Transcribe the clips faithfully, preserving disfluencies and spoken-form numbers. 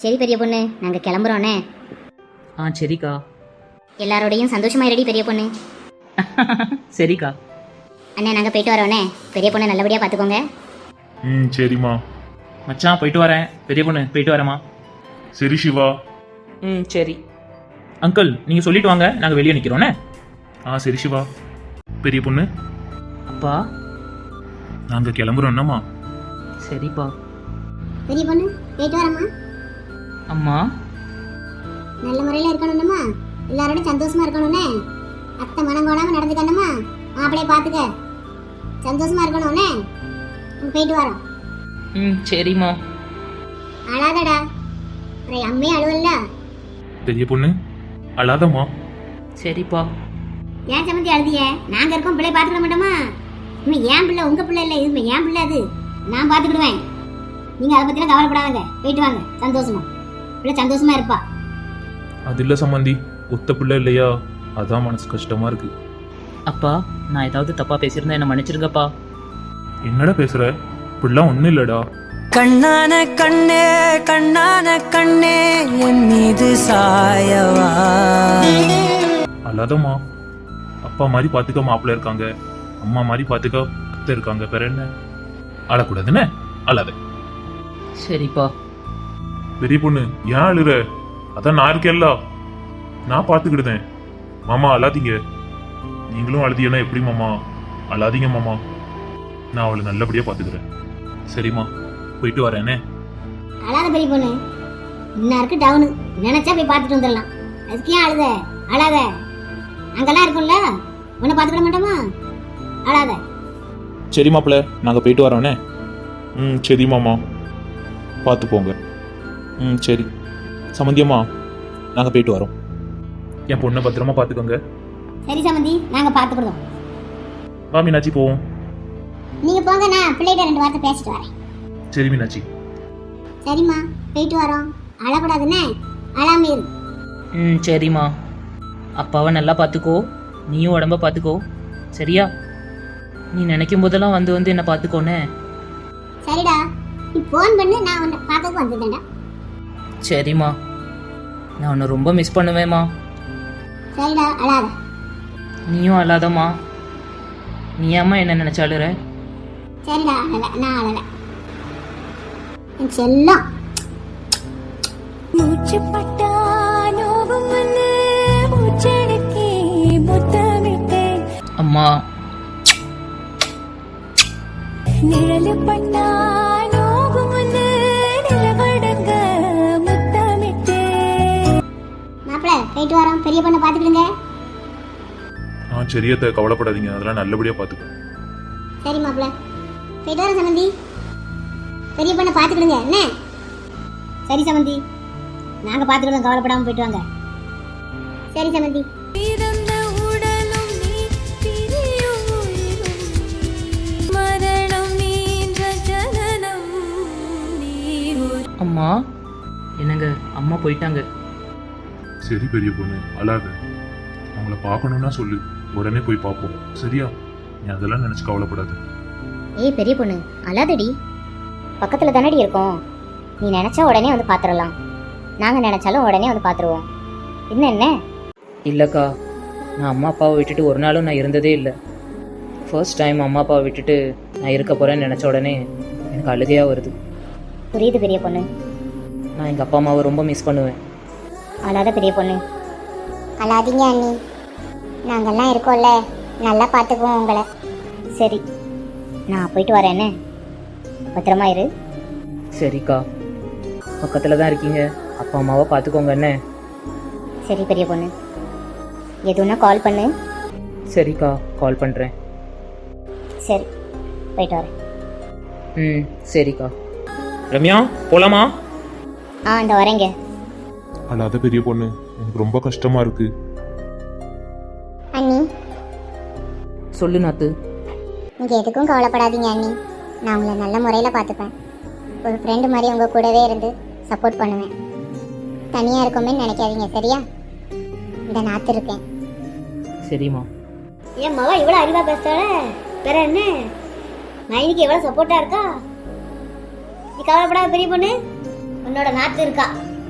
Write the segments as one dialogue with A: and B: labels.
A: சரி பெரிய பொண்ணு, நாங்க கிளம்புறோண்ணே.
B: ஆ சரிக்கா.
A: எல்லாரோடையும் சந்தோஷமா இருடி பெரிய பொண்ணு.
B: சரிக்கா.
A: அண்ணே நாங்க போயிட்டு வரோண்ணே. பெரிய பொண்ணை நல்லபடியா பாத்துக்கோங்க.
C: ம் சரிம்மா.
B: மச்சான் போயிட்டு வரேன். பெரிய பொண்ணு போயிட்டு வரேம்மா.
C: சரி சிவா.
B: ம் சரி அங்கிள், நீங்கள் சொல்லிட்டு வாங்க, நாங்கள் வெளியே நிற்கிறோண்ணே.
C: ஆ சரி சிவா. பெரிய பொண்ணு
B: அப்பா.
C: நாங்கள் கிளம்புறோம்னம்மா.
B: சரிப்பா.
A: பெரிய பொண்ணு போயிட்டு வரமா.
B: அம்மா
A: நல்ல முறையில இருக்கணும்மா, எல்லாரோடும் சந்தோஷமா இருக்கணும்னே. அத்தை மனம் கோணாம நடந்துக்கணுமா, மாப்பிளைய பாத்துக்க, சந்தோஷமா இருக்கணும்னே. போயிட்டு வரோம்.
B: ம் சரிம்மா.
A: அழாதடா, அம்மையே அழுவல்ல.
C: பெரிய பொண்ணு அழாதம்மா.
B: சரிப்பா.
A: ஏன் சம்மந்தி அழுதிய? நாங்க இருக்கோம், பிள்ளை பாத்துக்க மாட்டோமா? இன்னும் ஏன் பிள்ளை உங்க பிள்ளை இல்லை, இது ஏன் பிள்ளை, அது நான் பாத்துக்கிடுவேன். நீங்க அதை பத்திலாம் கவலைப்படாதங்க, போயிட்டு வாங்க சந்தோஷமா. பிள்ளை சந்தோஷமா இருப்பா.
C: அது இல்லை சம்மந்தி, ஒத்த பிள்ளை இல்லையா, அதான் மனசு கஷ்டமா இருக்கு.
B: அப்பா, நான் ஏதாவது தப்பா பேசியிருந்தா என்ன மன்னிச்சிருங்கப்பா.
C: என்னடா பேசுற? இப்படிலாம் ஒன்றும் இல்லைடா.
D: கண்ணான கண்ணே கண்ணான கண்ணே என் மீது சாயவா.
C: அழாதம்மா. அப்பா மாதிரி பார்த்துக்க மாப்பிள்ள இருக்காங்க, அம்மா மாதிரி பார்த்துக்க அத்தை இருக்காங்க, வேற என்ன? அழக்கூடாதுன்னு அழாத.
B: சரிப்பா.
C: பெரிய பொண்ணு ஏன் அழுற? அதான் நான் இருக்கேல்ல, நான் பார்த்துக்கிடுதேன். மாமா அழாதீங்க. நீங்களும் அழுதியனா எப்படி மாமா? அழாதீங்க மாமா, நான் அவளை நல்லபடியா பார்த்துக்கிறேன். சரிம்மா, போயிட்டு வரேனே.
A: அழாத பெரிய பொண்ணு, இன்னும் இருக்கு டவுனு, நினைச்சா போய் பார்த்துட்டு வந்துடலாம். அதுக்கு ஏன் அழுத? அழாத, அங்கெல்லாம் இருக்கும்ல, உன்னை பார்த்துக்கிட மாட்டோமா? அழாத.
C: சரி மாப்பிள்ள, நாங்கள் போயிட்டு வரோண்ணே. ம் சரி மாமா, பார்த்து போங்க. ம் சரி சம்மந்தியம்மா, நாங்கள் போயிட்டு வரோம். என் பொண்ணை பத்திரமா பார்த்துக்கோங்க.
A: சரி சம்மந்தி, நாங்க பார்த்துக்கிடுவோம்.
C: வா மீனாட்சி போவோம்.
A: நீங்க போங்க, நான் பிள்ளைகிட்ட ரெண்டு வார்த்தை பேசிட்டு வரேன்.
C: சரி மீனாட்சி.
A: சரிம்மா, போயிட்டு வரோம். அழக்கூடாதுன்னே, அழாம இரு.
B: ம் சரிம்மா. அப்பாவை நல்லா பார்த்துக்கோ, நீயும் உடம்ப பார்த்துக்கோ, சரியா? நீ நினைக்கும் போதெல்லாம் வந்து வந்து என்ன பார்த்துக்கோனே.
A: சரிடா, நீ ஃபோன் பண்ணு, நான் உன்னை பார்க்கறதுக்கு வந்துட்டேன்டா.
B: சரிம்மா, நான் உன்னை ரொம்ப மிஸ் பண்ணுவேம்மா.
A: சரிடா, அழாத.
B: நீயும் அழாதம்மா. நீ ஏம்மா என்ன நினைச்சு அழுற?
A: சரிடா, அழல, நான் அழல. என் செல்லம்.
E: மூச்சு பட்டா நோவும் வந்து மூச்சடக்கி முத்தமிட்டேன்.
B: அம்மா.
E: நிழலு பட்டா நோவும் வந்து நிலவடங்க முத்தமிட்டேன்.
A: மாப்பிள்ள போயிட்டு வரோம், பெரிய பொண்ணை பார்த்துக்கிடுங்க.
C: ஆ சரியத்தை கவலைப்படாதீங்க, அதெல்லாம் நல்லபடியாக பார்த்துக்கோ.
A: சரி மாப்பிள்ள, போயிட்டு வரோம் சமந்தி. பெரிய பொண்ணை பார்த்துக்கிடுங்க என்ன? சரி சமந்தி, நாங்கள் பார்த்துக்கிடுவோம், கவலைப்படாமல் போயிட்டு வாங்க. சரி சமந்தி.
E: பிறந்த உடலும் நீ, பிரியும் உயிரும் நீ, மரணம் நீன்ற ஜனனம் நீ.
B: அம்மா. என்னங்க, அம்மா போயிட்டாங்க.
C: சரி பெரிய பொண்ணு அழாத. அவங்கள பார்க்கணுன்னா சொல்லு, உடனே போய் பார்ப்போம், சரியா? நீ அதெல்லாம் நினச்சி கவலைப்படாது.
A: ஏய் பெரிய பொண்ணு, அழாதடி. பக்கத்தில் தானடி இருக்கோம், நீ நினச்சா உடனே வந்து பார்த்துடலாம். நாங்கள் நினச்சாலும் உடனே வந்து பார்த்துருவோம். இன்னும் என்ன?
B: இல்லைக்கா, நான் அம்மா அப்பாவை விட்டுட்டு ஒரு நாளும் நான் இருந்ததே இல்லை. ஃபர்ஸ்ட் டைம் அம்மா அப்பாவை விட்டுட்டு நான் இருக்க போகிறேன்னு நினச்ச உடனே எனக்கு அழுகையாக வருது.
A: புரியுது பெரிய பொண்ணு.
B: நான் எங்கள் அப்பா அம்மாவை ரொம்ப மிஸ் பண்ணுவேன்.
A: அழாத பெரிய பொண்ணு. அழாதீங்க அண்ணி, நாங்கள்லாம் இருக்கோம்ல, நல்லா பார்த்துக்குவோம் உங்களை. சரி, நான் போயிட்டு வரேன் என்ன? பத்திரமா இரு.
B: சரிக்கா, பக்கத்தில் தான் இருக்கீங்க, அப்பா அம்மாவை பார்த்துக்கோங்க என்ன?
A: சரி பெரிய பொண்ணு, எதுனா கால் பண்ணு.
B: சரிக்கா, கால் பண்ணுறேன்.
A: சரி, போயிட்டு வரேன்.
B: ம் சரிக்கா. ரம்யா போலாமா?
A: ஆ இந்த வரேங்க.
C: அழாத பெரிய பொண்ணு, எனக்கு ரொம்ப கஷ்டமா இருக்கு.
A: அண்ணி
B: சொல்லு நாத்து.
A: நீங்கள் எதுக்கும் கவலைப்படாதீங்க அண்ணி, நான் உங்களை நல்ல முறையில் பார்த்துப்பேன். ஒரு ஃப்ரெண்டு மாதிரி உங்கள் கூடவே இருந்து சப்போர்ட் பண்ணுவேன். தனியாக இருக்கோமே நினைக்காதீங்க, சரியா? இந்த நாத்து இருக்கேன்.
B: சரிம்மா.
A: என் மகன் இவ்வளோ அறிவாக பேசுகிறாளே, வேற என்ன? மைனிக்கு எவ்வளோ சப்போர்ட்டாக இருக்கா. நீ கவலைப்படாத பெரிய பொண்ணு, உன்னோட நாத்து இருக்கா.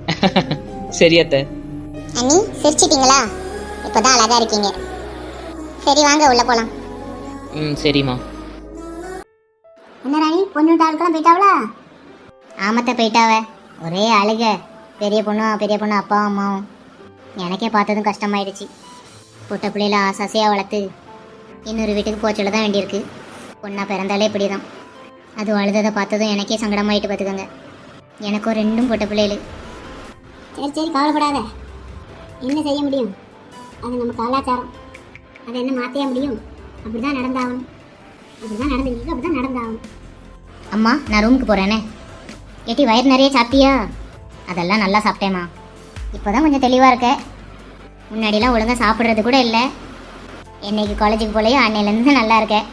B: சரி அத்தை.
A: அண்ணி சிரிச்சிட்டீங்களா? இப்போதான் அழகா இருக்கீங்க. சரி வாங்க உள்ள போலாம்.
B: ம் சரிம்மா.
A: என்ன ராணி, பொண்ணு ஆளுக்கெல்லாம் போயிட்டாவளா? ஆமத்த போயிட்டாவ. ஒரே அழுக. பெரிய பொண்ணும் பெரிய பொண்ணு அப்பா அம்மாவும். எனக்கே பார்த்ததும் கஷ்டமாயிடுச்சு. பொட்ட பிள்ளையில ஆசாசையாக வளர்த்து இன்னொரு வீட்டுக்கு போச்சல தான் வேண்டியிருக்கு. பொண்ணா பிறந்தாலே இப்படி தான். அது அழுததை பார்த்ததும் எனக்கே சங்கடமாயிட்டு பார்த்துக்கோங்க. எனக்கும் ரெண்டும் பொட்ட பிள்ளைகள். சரி சரி கவலைப்படாத. என்ன செய்ய முடியும்? அது நம்ம கலாச்சாரம். அதை என்ன மாற்றிய முடியும்? அப்படி தான் நடந்தாகணும். அப்படி தான் நடந்துருக்கு. அப்படி தான் நடந்தாகணும். அம்மா நான் ரூமுக்கு போகிறேனே. ஏட்டி வயிறு நிறைய சாப்பிட்டியா? அதெல்லாம் நல்லா சாப்பிட்டேம்மா. இப்போ தான் கொஞ்சம் தெளிவாக இருக்க. முன்னாடிலாம் ஒழுங்காக சாப்பிட்றது கூட இல்லை. என்னைக்கு காலேஜுக்கு போலையோ அன்னையிலேருந்து நல்லா இருக்கேன்.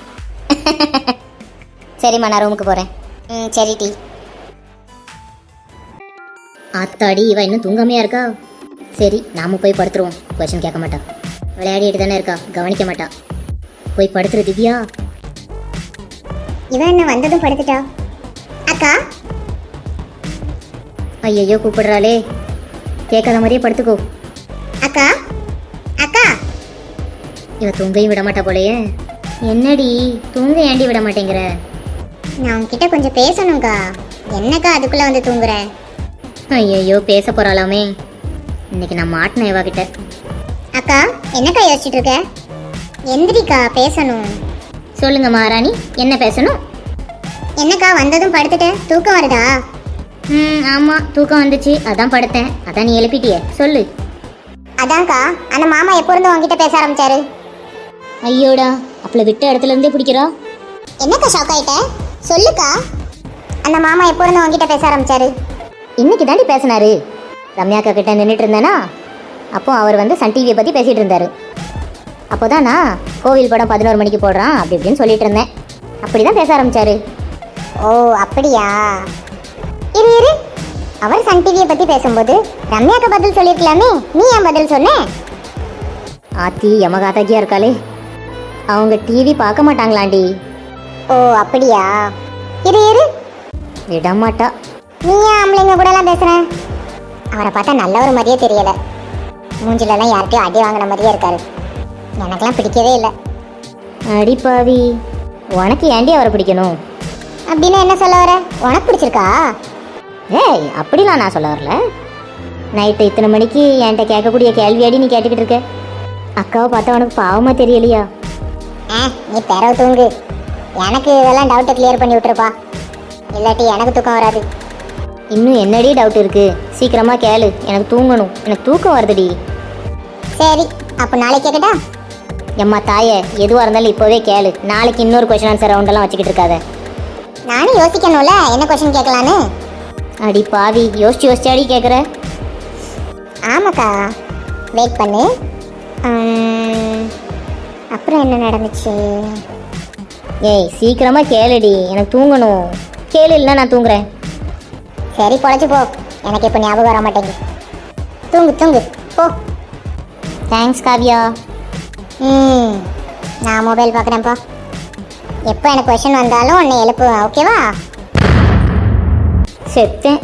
A: சரிம்மா நான் ரூமுக்கு போகிறேன். ம் சரி டி. ஆத்தாடி இவ இன்னும் தூங்காமையா இருக்கா? சரி நாம போய் படுத்துருவோம். கொஸ்டின் கேட்க மாட்டா. விளையாடிட்டு தானே இருக்கா, கவனிக்க மாட்டா. போய் படுத்துரு திவ்யா. இவன் என்ன வந்ததும் படுத்துட்டா? அக்கா ஐயோ கூப்பிடுறாளே. கேட்காத மாதிரியே படுத்துக்கோ. அக்கா அக்கா. இவ தூங்கையும் விட மாட்டா போலையே. என்னடி தூங்க ஏண்டி விட மாட்டேங்கிற? நான் உன்கிட்ட கொஞ்சம் பேசணும்க்கா. என்னக்கா அதுக்குள்ள வந்து தூங்குற? ஐயோ பேச போறாளாமே. இன்னைக்கு நான் மாட்டினேன் இவா கிட்ட. அக்கா என்னக்கா யோசிச்சுட்டு இருக்க? எந்திரிக்கா பேசணும். சொல்லுங்க மகாராணி, என்ன பேசணும்? என்னக்கா வந்ததும் படுத்துட்ட? தூக்கம் வருதா? ம் ஆமாம் தூக்கம் வந்துச்சு, அதான் படுத்தேன். அதான் நீ எழுப்பிட்டியே, சொல்லு. அதான்க்கா அந்த மாமா எப்போ இருந்து உங்ககிட்ட பேச ஆரம்பிச்சாரு? ஐயோடா, அப்பள விட்ட இடத்துல இருந்தே பிடிக்கிறா. என்னக்கா ஷாக் ஆயிட்ட? சொல்லுக்கா. அந்த மாமா எப்போ இருந்து உங்ககிட்ட பேச ஆரம்பிச்சாரு? இன்னைக்கு தாண்டி பேசினாரு. ரம்யாக்கா கிட்ட நின்றுட்டு இருந்தேனா, அப்போ அவர் வந்து சன் டிவியை பற்றி பேசிகிட்டு இருந்தார். அப்போ தான் நான் கோவில் படம் பதினோரு மணிக்கு போடுறான் அப்படி இப்படின்னு சொல்லிட்டு இருந்தேன். அப்படி தான் பேச ஆரம்பிச்சாரு. ஓ அப்படியா? இரு இரு, அவர் சன் டிவியை பற்றி பேசும்போது ரம்யாக்கா பதில் சொல்லியிருக்கலாமே, நீ ஏன் பதில் சொன்ன? ஆத்தி யமகாதாக்கியா இருக்காளே. அவங்க டிவி பார்க்க மாட்டாங்களாண்டி. ஓ அப்படியா? இரு இரு, விட மாட்டா. நீ ஏன் ஆம்பளைங்க கூட எல்லாம் பேசுற? அவரை பார்த்தா நல்ல ஒரு மாதிரியே தெரியல. மூஞ்சிலெல்லாம் யார்கிட்டயும் அடி வாங்கின மாதிரியே இருக்காரு. எனக்கெல்லாம் பிடிக்கவே இல்லை. அடிப்பாவி, உனக்கு ஏண்டி அவரை பிடிக்கணும்? அப்படின்னு என்ன சொல்ல வர? உனக்கு பிடிச்சிருக்கா? ஏய் அப்படிலாம் நான் சொல்ல வரல. நைட்டு இத்தனை மணிக்கு என்கிட்ட கேட்கக்கூடிய கேள்வியாடி நீ கேட்டுக்கிட்டு இருக்க. அக்காவை பார்த்தா உனக்கு பாவமாக தெரியலையா? ஆ நீ பிறவு தூங்கு. எனக்கு இதெல்லாம் டவுட்டை கிளியர் பண்ணி விட்டுருப்பா, இல்லாட்டி எனக்கு தூக்கம் வராது. இன்னும் என்னடி டவுட் இருக்கு? சீக்கிரமாக கேளு, எனக்கு தூங்கணும். எனக்கு தூக்கம் வருதுடி. சரி அப்போ நாளைக்கு கேட்கட்டா? எம்மா தாயே, எதுவாக இருந்தாலும் இப்போவே கேளு. நாளைக்கு இன்னொரு கொஸ்டின் ஆன்சர் ரவுண்டெல்லாம் வச்சுக்கிட்டு இருக்காத. நானும் யோசிக்கணும்ல என்ன கொஸ்டின் கேட்கலான்னு. அடி பாவி, யோசிச்சு யோசிச்சாடி கேட்குற? ஆமாக்கா, வெயிட் பண்ணு. அப்புறம் என்ன நடந்துச்சு? ஏய் சீக்கிரமாக கேளுடி, எனக்கு தூங்கணும். கேளு இல்லைன்னா நான் தூங்குறேன். சரி பொழைச்சி போ, எனக்கு இப்போ ஞாபகம் வர மாட்டேங்குது. தூங்கு தூங்கு போ. தேங்க்ஸ் காவ்யா. ம் நான் மொபைல் பார்க்குறேன்ப்பா. எப்போ எனக்கு கொஷின் வந்தாலும் உன்னை எழுப்புவேன், ஓகேவா? செத்தேன்.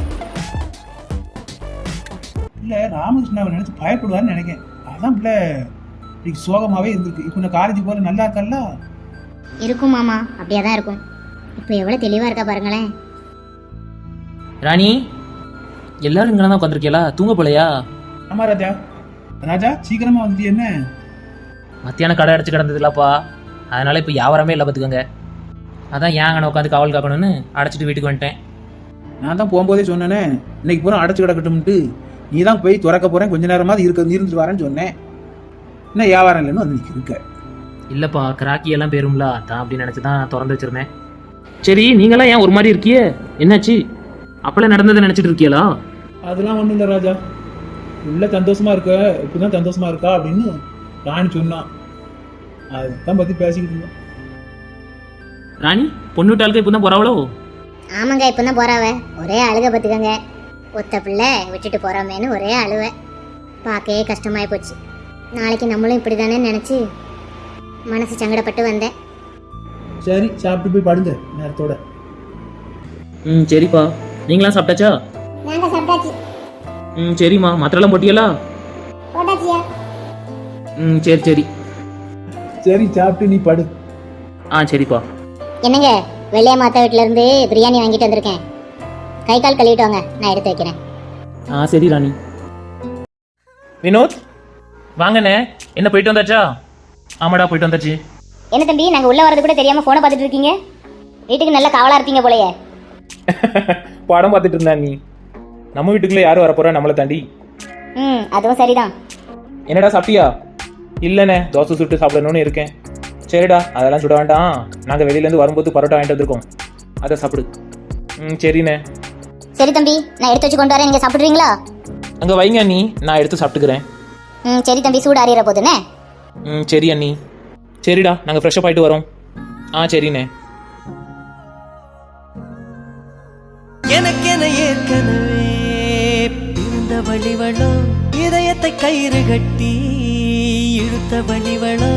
F: இல்லை ராமகிருஷ்ணாவை நினைச்சு பயப்படுவார்னு நினைக்கிறேன். அதான் பிள்ளை இன்னைக்கு சோகமாகவே இருந்திருக்கு. இப்போ நான் காலேஜ் போகிற நல்லா இருக்கல்ல?
A: இருக்கும் மாமா, அப்படியே தான் இருக்கும். இப்போ எவ்வளோ தெளிவாக இருக்கா பாருங்களேன்.
B: ராணி, எல்லாரும் இங்கே தான் உட்காந்துருக்கியலா? தூங்க போலையா?
F: ஆமா ராஜா. ராஜா சீக்கிரமா வந்துட்டு என்ன?
B: மத்தியானம் கடை அடைச்சு கிடந்ததுலப்பா, அதனால இப்போ வியாபாரமே இல்லை பார்த்துக்கோங்க. அதான் ஏன் அங்கே உட்காந்து காவல் காக்கணும்னு அடைச்சிட்டு வீட்டுக்கு வந்துட்டேன்.
F: நான் தான் போகும்போதே சொன்னேனே இன்னைக்கு பூரா அடைச்சு கிடக்கட்டும்ட்டு. நீ தான் போய் திறக்க போகிறேன், கொஞ்ச நேரமாவது இருக்க இருந்துட்டு வரேன்னு சொன்னேன். இன்னும் வியாபாரம் இல்லைன்னு வந்து நிற்க இருக்க.
B: இல்லைப்பா, கிராக்கி எல்லாம் பேரும்ல, அதான் அப்படின்னு நினச்சி தான் நான் திறந்து வச்சிருந்தேன். சரி நீங்களாம் ஏன் ஒரு மாதிரி இருக்கியே, என்னாச்சு? அப்பெல்லாம் நடந்ததை நினச்சிட்டு இருக்கியலா?
F: அதெல்லாம் ஒன்றும் இல்லை ராஜா. உள்ள சந்தோஷமா இருக்க, இப்படிதான் சந்தோஷமா இருக்கா அப்படின்னு ராணி சொன்னான். அதுதான் பற்றி பேசிக்கிட்டு இருந்தோம்.
B: ராணி, பொண்ணு விட்டாளுக்கு இப்போ தான் போகிறாவளோ?
A: ஆமாங்க, இப்போ தான் போறாவ. ஒரே அழுக பார்த்துக்கங்க. ஒத்த பிள்ளை விட்டுட்டு போகிறோமேனு ஒரே அழுவை. பார்க்கவே கஷ்டமாயி போச்சு. நாளைக்கு நம்மளும் இப்படி தானே நினச்சி மனசு சங்கடப்பட்டு வந்தேன்.
F: சரி சாப்பிட்டு போய் படுங்க நேரத்தோட.
B: ம் சரிப்பா. நீங்களாம் சாப்பிட்டாச்சா?
A: நாங்கள் சாப்பிட்டாச்சு.
B: ம் சரிம்மா, மாத்திரெல்லாம் போட்டியலா?
A: போட்டாச்சியா?
B: ம் சரி சரி.
F: சரி சாப்பிட்டு நீ படு.
B: ஆ சரிப்பா.
A: என்னங்க, வெள்ளைய மாத்தா வீட்டுல இருந்து பிரியாணி வாங்கிட்டு வந்திருக்கேன். கை கால் கழுவிட்டு வாங்க, நான் எடுத்து வைக்கிறேன்.
B: ஆ சரி ராணி. வினோத் வாங்கண்ணே, என்ன போயிட்டு வந்தாச்சா? ஆமாடா போயிட்டு வந்தாச்சு.
A: என்ன தம்பி, நாங்க உள்ள வரது கூட தெரியாம போனை பார்த்துட்டு இருக்கீங்க? வீட்டுக்கு நல்ல காவலா இருப்பீங்க போலயே.
B: படம் பார்த்துட்டு இருந்தா நீ. நம்ம வீட்டுக்குள்ளே யாரும் வரப்போறா நம்மளை தாண்டி?
A: ம், அதுவும் சரிதான்.
B: என்னடா சாப்பிட்டியா? இல்லைண்ணே, தோசை சுட்டு சாப்பிடணும்னு இருக்கேன். சரிடா, அதெல்லாம் சுட வேண்டாம். நாங்கள் வெளியிலேருந்து வரும்போது பரோட்டா வாங்கிட்டு வந்திருக்கோம், அதை சாப்பிடு. ம் சரிண்ணே.
A: சரி தம்பி, நான் எடுத்து வச்சு கொண்டு வரேன், நீங்க சாப்பிடுறீங்களா?
B: அங்கே வைங்க அண்ணி, நான் எடுத்து சாப்பிட்டுக்கிறேன்.
A: ம் சரி தம்பி, சூடு அறியிற போதுண்ணே.
B: ம் சரி அண்ணி. சரிடா, நாங்கள் ஃப்ரெஷ்ஷப் ஆகிட்டு வரோம். ஆ சரிண்ணே.
D: எனக்கென ஏற்கனவே பிறந்த வழிவளோ, இதயத்தை கயிறு கட்டி இழுத்த வழிவளோ.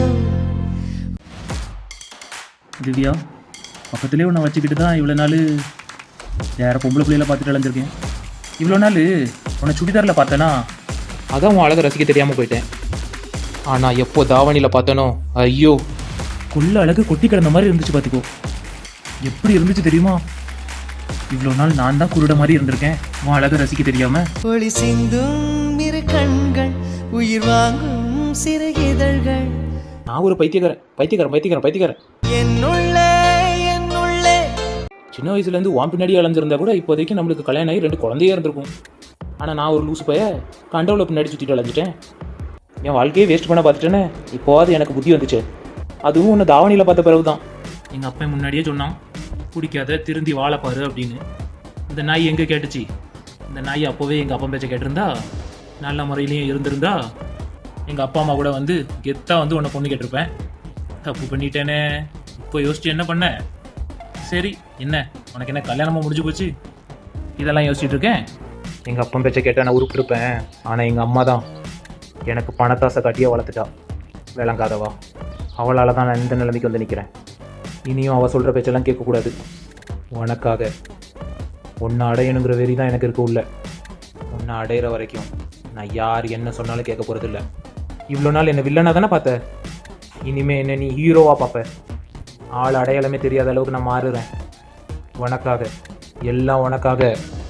B: திவ்யா, பக்கத்துலேயே உன்னை வச்சுக்கிட்டு தான் இவ்வளோ நாள் வேற பொம்பளை பிள்ளையில பார்த்துட்டு அலைஞ்சிருக்கேன். இவ்வளோ நாள் உன்னை சுடிதாரில் பார்த்தேனா, அதான் உன் அழகை ரசிக்க தெரியாமல் போயிட்டேன். ஆனால் எப்போ தாவணியில் பார்த்தனோ, ஐயோ கொள்ள அழகு கொட்டி கிடந்த மாதிரி இருந்துச்சு. பார்த்துக்கோ எப்படி இருந்துச்சு தெரியுமா? இவ்வளோ நாள் நான் தான் குருட மாதிரி இருந்திருக்கேன் உன் அழகை ரசிக்க தெரியாமல்.
D: ஒளி சிந்தும் இரு கண்கள், உயிர் வாங்கும் சிறு இதழ்கள்.
B: நான் ஒரு பைத்தியக்காரன் பைத்தியக்காரன் பைத்தியக்காரன் பைத்தியக்காரன்
D: என்னுள்ளே என்னுள்ளே.
B: சின்ன வயசுலேருந்து வான் பின்னாடி அலைஞ்சிருந்தா கூட இப்போதைக்கு நம்மளுக்கு கல்யாணம் ஆகி ரெண்டு குழந்தையே இருந்திருக்கும். ஆனால் நான் ஒரு லூசு பைய கண்டவுல பின்னாடி சுற்றிட்டு அலைஞ்சிட்டேன். என் வாழ்க்கையே வேஸ்ட் பண்ண பார்த்துட்டேனே. இப்போது எனக்கு புத்தி வந்துச்சு. அதுவும் ஒன்று தாவணியில் பார்த்த பிறகு தான். எங்கள் அப்பா முன்னாடியே சொன்னான், பிடிக்காத திருந்தி வாழைப்பாரு அப்படின்னு. இந்த நாய் எங்கே கேட்டுச்சு? இந்த நாய் அப்போவே எங்கள் அப்பா பேச்சை கேட்டிருந்தா, நல்ல முறையிலையும் இருந்திருந்தா, எங்கள் அப்பா அம்மா கூட வந்து கெத்தாக வந்து உன்னை பொண்ணு கேட்டிருப்பேன். தப்பு பண்ணிட்டேனே. இப்போ யோசிச்சு என்ன பண்ண? சரி, என்ன உனக்கு என்ன கல்யாணமாக முடிஞ்சு போச்சு? இதெல்லாம் யோசிச்சுட்டு இருக்கேன். எங்கள் அப்பா பேச்சை கேட்டால் நான் உருப்பிருப்பேன். ஆனால் எங்கள் அம்மா தான் எனக்கு பணத்தாசை காட்டியே வளர்த்துட்டா. விளங்காதவா. அவளால் தான் நான் இந்த நிலைமைக்கு வந்து நிற்கிறேன். இனியும் அவள் சொல்கிற பேச்செல்லாம் கேட்கக்கூடாது. உனக்காக ஒன்று அடையணுங்கிற வெறி தான் எனக்கு இருக்கு உள்ள. ஒன்று அடையிற வரைக்கும் நான் யார் என்ன சொன்னாலும் கேட்க போகிறது இல்லை. இவ்வளோ நாள் என்னை வில்லனாக தானே பார்த்த, இனிமே என்ன நீ ஹீரோவாக பார்ப்ப. ஆள் அடையாளமே தெரியாத அளவுக்கு நான் மாறுறேன். உனக்காக, எல்லாம் உனக்காக.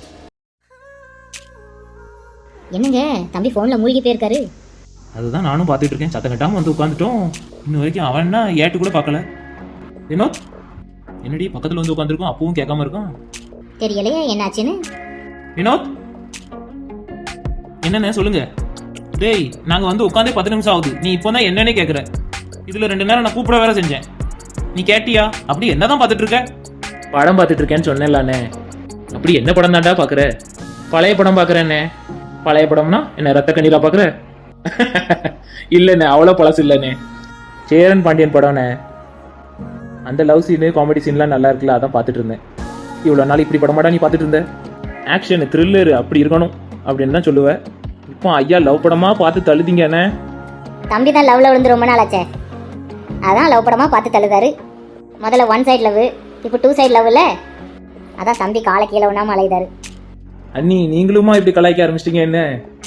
A: என்னங்க தம்பி ஃபோன்ல மூழ்கி போயிருக்காரு?
B: அதுதான் நானும் பார்த்துட்டு இருக்கேன். சத்தம் கட்டாமல் வந்து உட்காந்துட்டோம். இன்ன வரைக்கும் அவன்னா ஏட்டு கூட பார்க்கல. வினோத், என்னடி பக்கத்தில் வந்து உட்காந்துருக்கோம், அப்பவும் கேட்காம இருக்கான்.
A: தெரியலையே என்னாச்சுன்னு.
B: வினோத், என்னண்ணே சொல்லுங்க. டேய், நாங்கள் வந்து உட்காந்தே பத்து நிமிஷம் ஆகுது, நீ இப்போ தான் என்னன்னே கேட்குற. இதில் ரெண்டு நேரம் நான் கூப்பிட வேற செஞ்சேன், நீ கேட்டியா? அப்படி என்ன தான் பார்த்துட்டு இருக்க? படம் பார்த்துட்டு இருக்கேன்னு சொன்னேன்லாண்ணே. அப்படி என்ன படம் தாண்டா பார்க்குற? பழைய படம் பார்க்குறேண்ணே. பழைய படம்னா என்ன ரத்த கண்ணீரா பார்க்குற? இல்லைண்ணே, அவ்வளோ பழசு இல்லைண்ணே. சேரன் பாண்டியன் படம்ண்ணே. அந்த லவ் சீனு காமெடி சீன்லாம் நல்லா இருக்குல்ல, அதான் பார்த்துட்டு இருந்தேன். இவ்வளோ நாள் இப்படி படமாடா நீ பார்த்துட்டு இருந்த? ஆக்ஷனு த்ரில்லரு அப்படி இருக்கணும் அப்படின்னு தான் சொல்லுவேன். இப்போ ஐயா லவ் படமாக பார்த்து தள்ளுதீங்கண்ணே.
A: தம்பி தான் லவ்ல விழுந்து ரொம்ப நாள் ஆச்சே, அதான் லவ் படமா பார்த்து தள்ளுதாரு. முதல்ல ஒன் சைடு லவ், இப்போ டூ சைடு லவ் இல்லை, அதான் தம்பி காலை கீழே ஒன்றாம அலைதாரு.
B: அண்ணி, நீங்களுமா இப்படி கலாய்க்க ஆரம்பிச்சிட்டீங்க என்ன?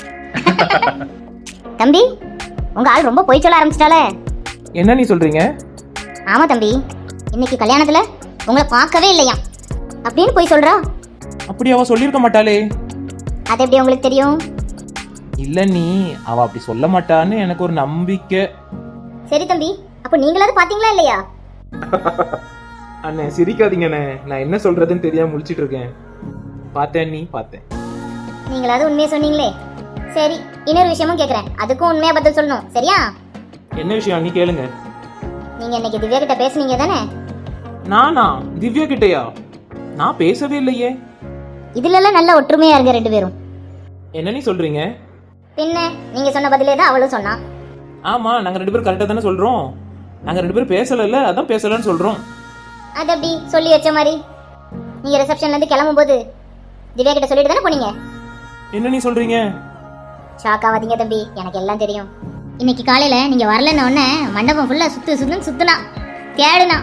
A: தம்பி, உங்க ஆள் ரொம்ப பொய் சொல்ல ஆரம்பிச்சிட்டாலே.
B: என்ன நீ சொல்றீங்க?
A: ஆமா தம்பி, இன்னைக்கு கல்யாணத்துல உங்களை பார்க்கவே இல்லையா அப்படின்னு பொய் சொல்றா.
B: அப்படி அவ சொல்லியிருக்க மாட்டாளே.
A: அது எப்படி உங்களுக்கு தெரியும்?
B: இல்ல நீ, அவ அப்படி சொல்ல மாட்டான்னு எனக்கு ஒரு நம்பிக்கை.
A: சரி தம்பி, அப்போ நீங்களாவது பாத்தீங்களா இல்லையா?
B: அண்ணே சிரிக்காதீங்கண்ணே, நான் என்ன சொல்றதுன்னு தெரியாம முழிச்சிட்டு இருக்கேன். பார்த்தேன் நீ, பார்த்தேன்.
A: நீங்களாவது உண்மையை சொன்னீங்களே. சரி, இன்னொரு விஷயமும் கேட்குறேன், அதுக்கும் உண்மையா பதில் சொல்லணும், சரியா?
B: என்ன விஷயம் நீ கேளுங்க.
A: நீங்க இன்னைக்கு திவ்யா கிட்ட பேசுனீங்க தானே?
B: நானா? திவ்யா கிட்டயா? நான் பேசவே இல்லையே.
A: இதுல எல்லாம் நல்ல ஒற்றுமையா இருங்க ரெண்டு பேரும்.
B: என்ன நீ சொல்றீங்க?
A: பின்ன நீங்க சொன்ன பதிலே தான் அவளும் சொன்னா.
B: ஆமா, நாங்க ரெண்டு பேரும் கரெக்டா தானே சொல்றோம். நாங்க ரெண்டு பேரும் பேசல, அதான் பேசலன்னு சொல்றோம்.
A: அது அப்படி சொல்லி வச்ச மாதிரி. நீங்க ரிசப்ஷன்ல இருந்து கிளம்பும் போது திவ்யா கிட்ட சொல்லிட்டு தானே போனீங்க.
B: என்ன நீ சொல்றீங்க?
A: ஷாக் ஆகாதீங்க தம்பி, எனக்கு எல்லாம் தெரியும். இன்னைக்கு காலையில நீங்க வரலன்னு உடனே மண்டபம் ஃபுல்லா சுத்து சுத்துன்னு சுத்துனா, தேடுனா.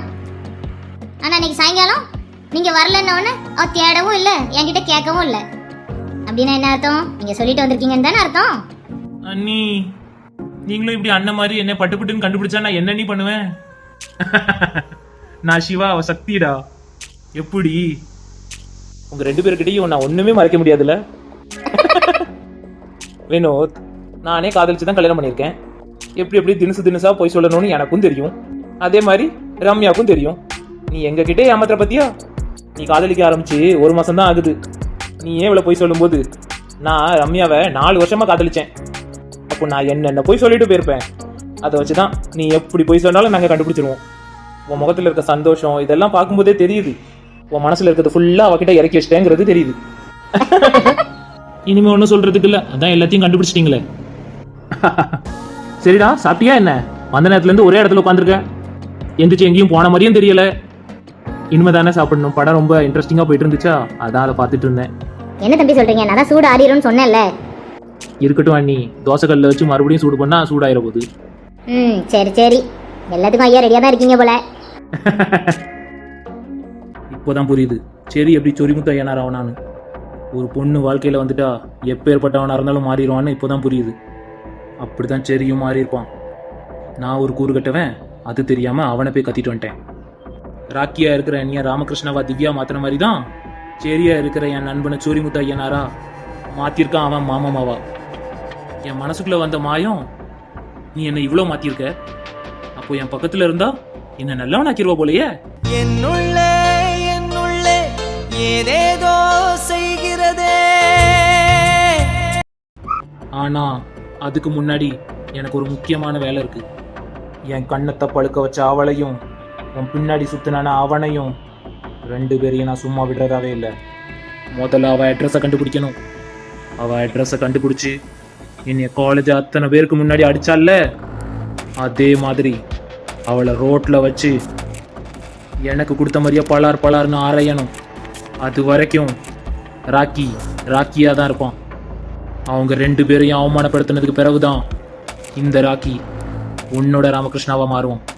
A: ஆனா இன்னைக்கு சாயங்காலம் நீங்க வரலன்னு உடனே அவ தேடவும் இல்லை, என்கிட்ட கேட்கவும் இல்லை. அப்படின்னா என்ன அர்த்தம்? நீங்க சொல்லிட்டு வந்திருக்கீங்கன்னு தானே அர்த்தம்?
B: அண்ணி நீங்களும் இப்படி அண்ணன் மாதிரி என்ன பட்டு பட்டுன்னு கண்டுபிடிச்சா நான் என்ன நீ பண்ணுவேன்? நான் சிவா, அவ சக்திடா. எப்படி உங்க ரெண்டு பேருக்கிட்டையும் நான் ஒண்ணுமே மறைக்க முடியாதுல்ல? வினோத், நானே காதலிச்சு தான் கல்யாணம் பண்ணியிருக்கேன். எப்படி எப்படி தினசு தினசா போய் சொல்லணும்னு எனக்கும் தெரியும். அதே மாதிரி ரம்யாவுக்கும் தெரியும். நீ எங்க கிட்டே ஏமாத்துற பத்தியா? நீ காதலிக்க ஆரம்பிச்சு ஒரு மாசம் தான் ஆகுது. நீ ஏன் இவ்வளவு போய் சொல்லும்போது நான் ரம்யாவை நாலு வருஷமா காதலிச்சேன். அப்போ நான் என்னென்ன போய் சொல்லிட்டு போயிருப்பேன். அதை வச்சுதான் நீ எப்படி போய் சொன்னாலும் நாங்கள் கண்டுபிடிச்சிருவோம். உன் முகத்தில் இருக்க சந்தோஷம் இதெல்லாம் பார்க்கும்போதே தெரியுது. உன் மனசுல இருக்கிறது ஃபுல்லா அவகிட்ட இறக்கி வச்சிட்டேங்கிறது தெரியுது. இனிமே ஒன்றும் சொல்றதுக்கு இல்லை, அதான் எல்லாத்தையும் கண்டுபிடிச்சிட்டீங்களே. சரிடா, சாப்பிட்டியா என்ன? வந்த நேரத்துல இருந்து ஒரே இடத்துல உட்காந்துருக்கேன். எந்திரிச்சு எங்கேயும் போன மாதிரியும் தெரியல. இனிமே தானே சாப்பிடணும். படம் ரொம்ப இன்ட்ரெஸ்டிங்கா போயிட்டு இருந்துச்சா, அதான் அதை பார்த்துட்டு இருந்தேன்.
A: என்ன தம்பி சொல்றீங்க? நான் தான் சூடு ஆறிடும்னு சொன்னேன்ல.
B: இருக்கட்டும் அண்ணி, தோசைக்கல்ல வச்சு மறுபடியும் சூடு பண்ணா சூடாயிர போகுது.
A: ம் சரி சரி, எல்லாத்துக்கும் ஐயா ரெடியா தான் இருக்கீங்க போல.
B: இப்போதான் புரியுது சரி எப்படி சொரிமுத்து ஐயனார் ஆவனான்னு. ஒரு பொண்ணு வாழ்க்கையில வந்துட்டா எப்பேற்பட்டவனா இருந்தாலும் மாறிடுவான்னு இப்போதான் புரியுது. அப்படிதான் சரியும் மாறி இருப்பான். நான் ஒரு கூறு கட்டவன், அது தெரியாம அவனை போய் கத்திட்டு வந்துட்டேன். ராக்கியா இருக்கிற என்னைய ராமகிருஷ்ணாவா திவ்யா மாத்தின மாதிரி தான் சரியா இருக்கிற என் நண்பனை சொரிமுத்து ஐயனாரா மாத்திருக்கான் அவன் மாமாமாவா. என் மனசுக்குள்ள வந்த மாயம், நீ என்ன இவ்வளோ மாத்திருக்க, அப்போ என் பக்கத்துல இருந்தா என்ன நல்லவனாக்கிருவா போலயே.
D: என்னுள்ளே என்னுள்ளே ஏதேதோ செய்கிறதே.
B: ஆனா அதுக்கு முன்னாடி எனக்கு ஒரு முக்கியமான வேலை இருக்கு. என் கண்ணத்தை பழுக்க வச்ச அவளையும் உன் பின்னாடி சுத்தினான அவனையும் ரெண்டு பேரையும் நான் சும்மா விடுறதாவே இல்லை. முதல்ல அவ அட்ரஸை கண்டுபிடிக்கணும். அவ அட்ரஸை கண்டுபிடிச்சி என்னைய காலேஜ் அத்தனை பேருக்கு முன்னாடி அடிச்சால, அதே மாதிரி அவளை ரோட்ல வச்சு எனக்கு கொடுத்த மாதிரியே பலார் பலார்னு அரையணும். அது வரைக்கும் ராக்கி ராக்கியாக தான் இருப்பான். அவங்க ரெண்டு பேரையும் அவமானப்படுத்தினதுக்கு பிறகுதான் இந்த ராக்கி உன்னோட ராமகிருஷ்ணாவா மாறுவான்.